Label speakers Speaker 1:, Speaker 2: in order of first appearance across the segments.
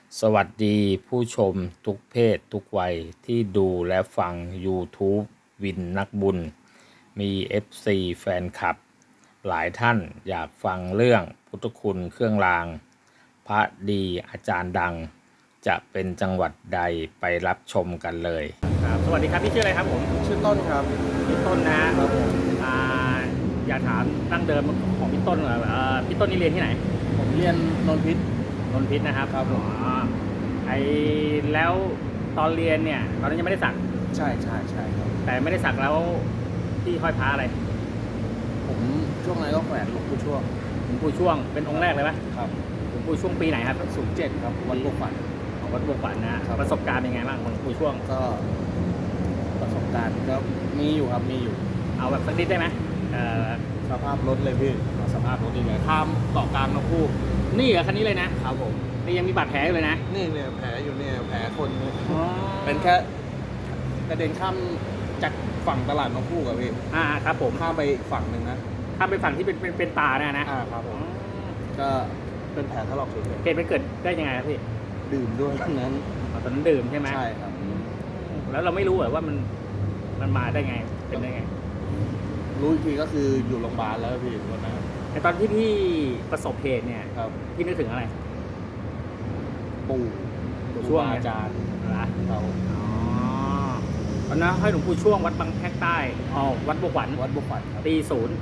Speaker 1: สวัสดีผู้ชมทุกเพศทุกวัยที่ดูและฟัง YouTube วินนักบุญมี FC แฟนคลับหลายท่านอยากฟังเรื่องพุทธคุณเครื่องรางพระดีอาจารย์ดังจะเป็นจังหวัดใดไปรับชมกันเลย
Speaker 2: ครับสวัสดีครับพี่ชื่ออะไรครับผม
Speaker 3: ชื่อต้นครับ
Speaker 2: พี่ต้นนะครับ
Speaker 3: ผม
Speaker 2: อ่าอยากถามตั้งเดิมของพี่ต้นพี่ต้นนี่เรียนที่ไหน
Speaker 3: ผมเรียนนนท์พิษ
Speaker 2: นนทิพย์นะครับ
Speaker 3: ครับผม
Speaker 2: ไอแล้วตอนเรียนเนี่ยตอนนั้นยังไม่ได้สัก
Speaker 3: ใช่ครับ
Speaker 2: แต่ไม่ได้สักแล้วพี่ห้อยพระอะไร
Speaker 3: ผมช่วงนั้นก็แขวนหลวงปู่ช่วง
Speaker 2: หลวงปู่ช่วงเป็นองค์แรกเลยไหม
Speaker 3: ครับ
Speaker 2: หลวงปู่ช่วงปีไหนครับ
Speaker 3: 07ครับวัดบวกฝัน
Speaker 2: ของวัดบวกฝันนะครับประสบการณ์เป็นไงบ้างของหลวงปู่ช่วง
Speaker 3: ก็ประสบการณ์ก็มีอยู่ครับมีอยู่
Speaker 2: เอาแบบสักนิดได้ไหม
Speaker 3: สภาพรถเลยพี่
Speaker 2: สภาพรถดีเลยข้ามเกาะกลางนกคู่นี่เหรอคันนี้เลยนะครับ
Speaker 3: ผม
Speaker 2: นี่ยังมีบาดแผลอยู่เลยนะ
Speaker 3: นี่เนี่ยแผลอยู่เนี่ยแผลคนเนี่ยเป็นแค่กระเด็นข้ามจากฝั่งตลาดนกคู่กับพี่
Speaker 2: ครับผม
Speaker 3: ข้ามไปฝั่งหนึ่งนะ
Speaker 2: ข้ามไปฝั่งที่เป็นป่า
Speaker 3: นะครับผมก็เป็นแผลถลอกเฉยๆ
Speaker 2: เหตุมันเกิดได้ยังไงครับพี่
Speaker 3: ดื่มด้วยตอนนั้น
Speaker 2: ตอนนั้นดื่มใช่ไหม
Speaker 3: ใช่ครับ
Speaker 2: แล้วเราไม่รู้เหรอว่ามันมาได้ไงเป็นได้ไง
Speaker 3: รู้อีกทีก็คืออยู่โรงพยาบาลแล้วพี่วันนั้น
Speaker 2: แต่ตอนที่พี่ประสบเหตุเนี่ย
Speaker 3: ครับ
Speaker 2: พี่นึกถึงอะไร
Speaker 3: ปู่
Speaker 2: ช่วง
Speaker 3: อาจารย์
Speaker 2: เราตอนนั้นให้หลวงปู่ช่วงวัดบางแพรกใต้วัดบวกขวัญ
Speaker 3: ครับ
Speaker 2: ปี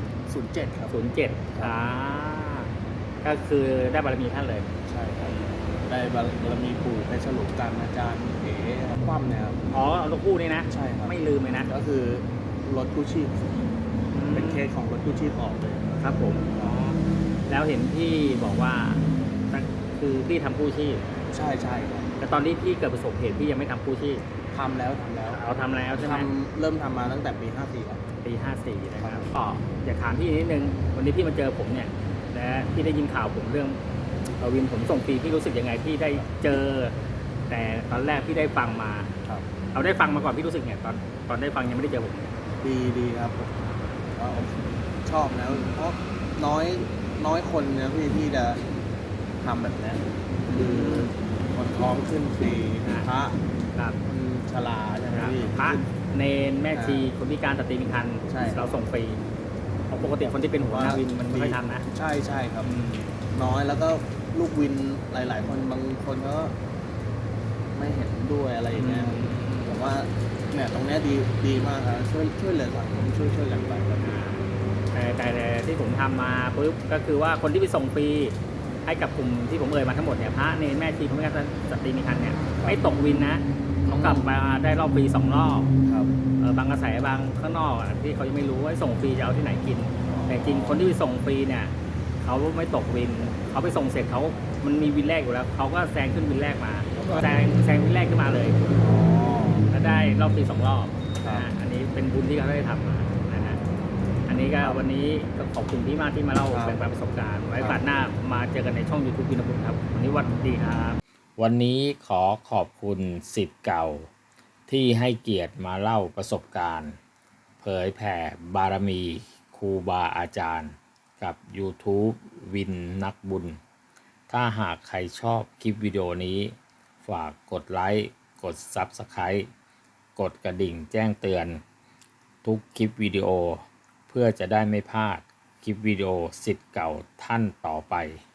Speaker 3: 07ครับ
Speaker 2: 07ก็คือได้บารมีท่านเลย
Speaker 3: ใช่ครับได้บารมีปู่ไปฉลุกันอาจารย์เอ๋คว่ำเนี่ยครับ
Speaker 2: หลวงปู่นี่นะ
Speaker 3: ใช่ครับ
Speaker 2: ไม่ลืมเลยนะ
Speaker 3: ก็คือรถกู้ชีพเป็นเคสของรถกู้ชีพออกเลย
Speaker 2: ครับผมแล้วเห็นพี่บอกว่าคือพี่ทำกู้ชีพ
Speaker 3: ใช่ครับ
Speaker 2: แต่ตอนที่พี่เกิดประสบเหตุพี่ยังไม่ทำกู้ชีพ
Speaker 3: ทำแล้ว
Speaker 2: เอาทำแล้วใช่ไหม
Speaker 3: เริ่มทำมาตั้งแต่ปี54ครับ
Speaker 2: ปี54นะครับก็อยากถามพี่นิดนึงวันนี้พี่มาเจอผมเนี่ยและพี่ได้ยินข่าวผมเรื่องวินผมส่งฟรีพี่รู้สึกยังไงพี่ได้เจอแต่ตอนแรกพี่ได้ฟังมาเอาได้ฟังมาก่อนพี่รู้สึกไงตอนได้ฟังยังไม่ได้เจอผม
Speaker 3: ดีครับก็ชอบนะเพราะน้อยคนนะพี่ที่จะทำแบบนี้คือคนท้องขึ้นฟรีพระคนชราใช่ไหมพี่
Speaker 2: พระเนนแม่ชีคนพิการสตรีมีครรภ์เราส่งฟรีเพราะปกติคนที่เป็นหัวหน้าวินมันไม่ค่อยทำนะ
Speaker 3: ใช่ครับน้อยแล้วก็ลูกวินหลายๆคนบางคนก็ไม่เห็นด้วยอะไรอย่างเงี้ยผมว่าเนี่ยตรงนี้ดีมากครับช่วยเหลือสังคมช่วยกันไปครับ
Speaker 2: แต่ที่ผมทำมาปุ๊บก็คือว่าคนที่ไปส่งฟรีให้กับกลุ่มที่ผมเอ่ยมาทั้งหมดเนี่ยพระเนรแม่ชีคนพิการสตรีมีครรภ์เนี่ยไม่ตกวินนะเขากลับมาได้รอบฟรี2 รอบบางกระแสบางข้างนอกที่เขายังไม่รู้ว่าส่งฟรีจะเอาที่ไหนกินแต่จริงคนที่ไปส่งฟรีเนี่ยเขาไม่ตกวินเขาไปส่งเสร็จมันมีวินแรกอยู่แล้วเขาก็แซงขึ้นวินแรกมาแซงวินแรกขึ้นมาเลยแล้วได้รอบฟรี2 รอบอันนี้เป็นบุญที่เขาได้ทำมาอันนี้ก็วันนี้ก็ขอบคุณพี่มากที่มาเล่าแบ่งปันประสบการณ์ไว้โอกาสหน้ามาเจอกันในช่อง YouTube วินบุญครับวันนี้วัดดีครับ
Speaker 1: วันนี้ขอบคุณศิษย์เก่าที่ให้เกียรติมาเล่าประสบการณ์เผยแผ่บารมีครูบาอาจารย์กับ YouTube วินนักบุญถ้าหากใครชอบคลิปวิดีโอนี้ฝากกดไลค์กด Subscribe กดกระดิ่งแจ้งเตือนทุกคลิปวิดีโอเพื่อจะได้ไม่พลาดคลิปวิดีโอศิษย์เก่าท่านต่อไป